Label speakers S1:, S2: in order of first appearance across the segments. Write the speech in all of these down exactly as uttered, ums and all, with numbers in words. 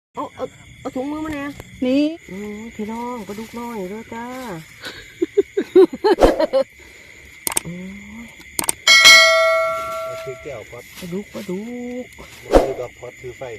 S1: เอาเอาเอาถุงมือมาแน่
S2: นี่
S1: อืมพี่น้องปลาดุกน้อยเด้อจ้าโอ้ย
S3: คือแก้วพอด
S1: ปลาดุกปลาดุก
S3: คือดอกพอดคือไฟ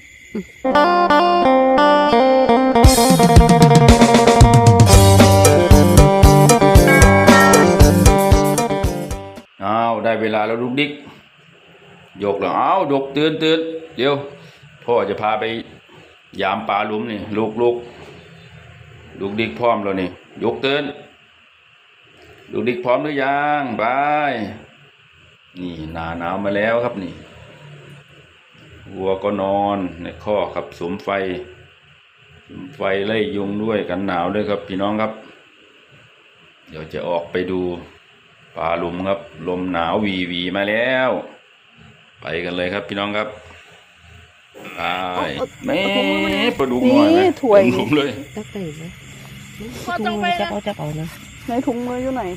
S4: อ้าวได้เวลาแล้วลูกดิ๊กยกแล้วอ้าวดกตื่นตื่นเดี๋ยวพ่อจะพาไปยามปลาหลุมนี่ลูกลูกลูกดิ๊กพร้อมแล้วนี่ยกตื่นลูกดิ๊กพร้อมหรือยังไปนี่หนาหนาวมาแล้วครับนี่วัวก็นอนในคอกครับสุมไฟสุมไฟไล่ยุงด้วยกันหนาวด้วยครับพี่น้องครับเดี๋ยวจะออกไปดูปลาหลุมครับลมหนาววีวีมาแล้วไปกันเลยครับพี่น้องครับไปแม่ปลาดุกหน่อยนะถวยหลุมเลย
S1: จับไปไหมพอต้องไปจับเอาจับเอานะ
S2: ในถุงมืออยู่ไหน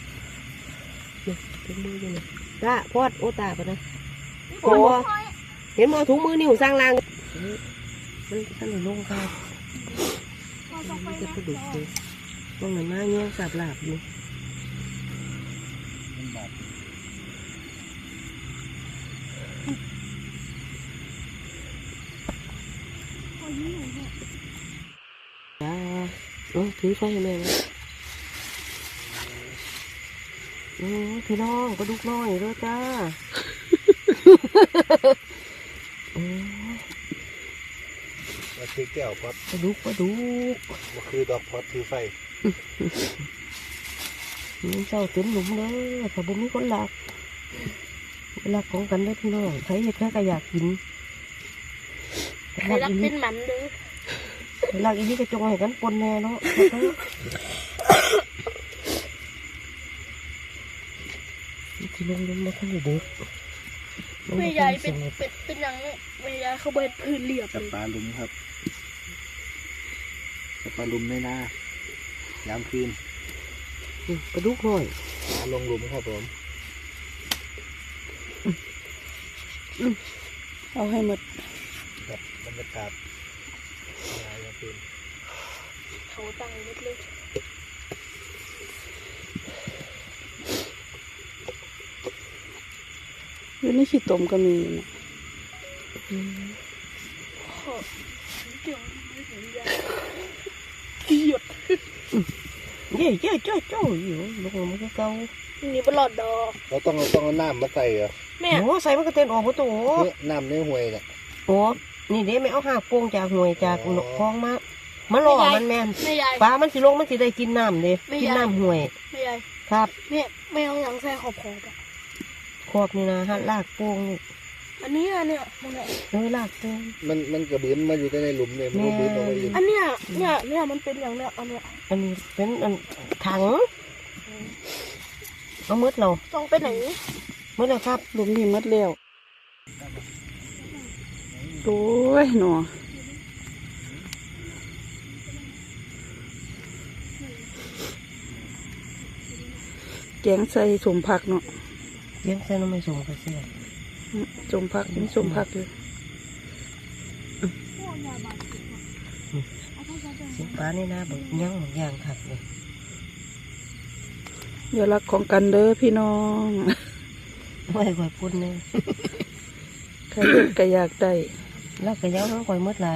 S1: ถุงมืออยู่ไหนตาพอดโอตาปะนะโอ้เห็นมอถุงมือนิ้วสร้างรางมันท่านหลงค่ะมันจะปลาดุกเลยตรงไหนมาเงี้ยสับหลาบอยู่จ้าโอ้ถือไฟให้แม่เลยโอ้พี่น้องปลาดุกน้อยเด้อจ้าโอ้
S3: คือแก้วพอด
S1: ปลาดุกปลาดุก
S3: คือดอกพอดคือไฟ
S1: มันเจ้าเต็มหลุมเลยแต่บุมีคนหลักหลักของกันได้พี่น้องใครเห็ดแค่ก็อยากกิน
S2: ใครรักเป็นมันเด้อ
S1: หลักอีนี่ก็จงให้กันปนแน่เนาะที่ลงลงมาข้างในเด็ก
S2: ไม่ใหญ่เป็นเป็นเป็นอย่างไม่ใหญ่เขาเบิดพื้นเรียบ
S3: จับปลาลุมครับจับปลาลุมในนายามคืน
S1: ปลาดุกหน่อย
S3: ปลาลงลุมครับผม
S2: เอาให้หมด
S3: แบบบรรยากาศยามคืน
S2: เขาตั้งเล็กเล็กอยู่ในขี้ต้มก็มีนะหยุด
S1: เย่เย่เจ้าเจ้าอยู่ลงมันก็เก่า
S2: นี่เป็นหลอดดอก
S3: เราต้องต้องเอาน้ำมาใส่เหรอ
S1: แม่โอ้ใส่มันก็เต็มออกประตู
S3: น้ำในห่วยเนี่ย
S1: โอ้นี่เด้ไม่เอาหากโป่งจากห่วยจากหนกคลองมามาหล่อมันแม่นปลามันสิลงมันสิได้กินน้ำเด้กินน้ำห่วย
S2: ไม่ใหญ่
S1: ครับ
S2: เนี่ยไม่เอาหลังใส่ขอบขอบอะ
S1: ขอบนี่นะฮะลากโป่งนี่
S2: อันนี้อันเนี้ยมันเนี่ย
S1: เออลากโป่ง
S3: มันมันกระเบื้องมาอยู่ในหลุมเลยมันกระเบื้องเอาไว้
S2: อันเนี้ยเนี่ยเนี่ยมันเป็นอย่างเนี้ยอันเนี้ย
S1: อันนี้เป็นอันถังเอามืดเรา
S2: ต้องไปไหน
S1: มืดเลยครับ
S2: หลุมนี่มืดเร็วโอ้ยหนอแกงใส่สมผักเนาะ
S1: แกงใส่น้ำไม่สมก็เสีย
S2: สมผักนี่สมผักเลย
S1: สิปลานี่นะบอกย่างย่างขัดเลย
S2: อย่ารักของกันเด้อพี่น้อง
S1: ไม่ค่อยพูดเนี่ย
S2: ใครเห็นก็อยากได้
S1: แล้วก็ยังค่อยมืดไหล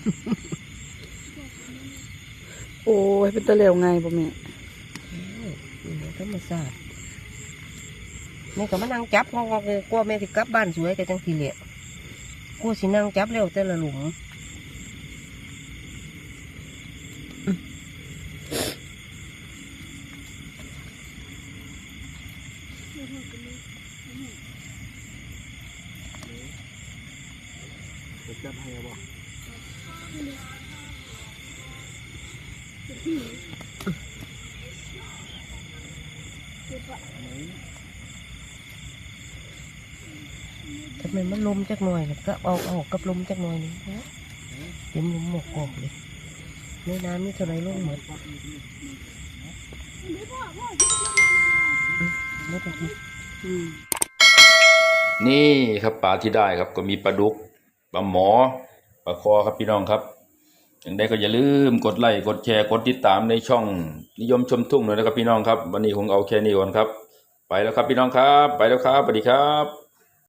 S2: โอ้ยเป็นตะเหลวไงบ่แม่
S1: ธรรมชาติแม่ก็มานั่งจับงอกๆกลัวแม่สิกลับบ้านสวยแต่จังทีเหลี่ยกลัวสินั่งจับเร็วแต่ละหลุม
S3: จับให้บ่
S1: ทำไมมันลมจักหน่อยก็เอาเอากับลมจักหน่อยนึงนะเต็มลมหมกออกเลยในน้ำนี่เท่าไรลงหมดไม่ต้องกิน
S4: นี่ครับปลาที่ได้ครับก็มีปลาดุกปลาหมอปลาคอครับพี่น้องครับอย่างใดก็อย่าลืมกดไลค์กดแชร์กดติดตามในช่องนิยมชมทุ่งเลยนะครับพี่น้องครับวันนี้คงเอาแค่นี้ก่อนครับไปแล้วครับพี่น้องครับไปแล้วครับสวัสดีครับ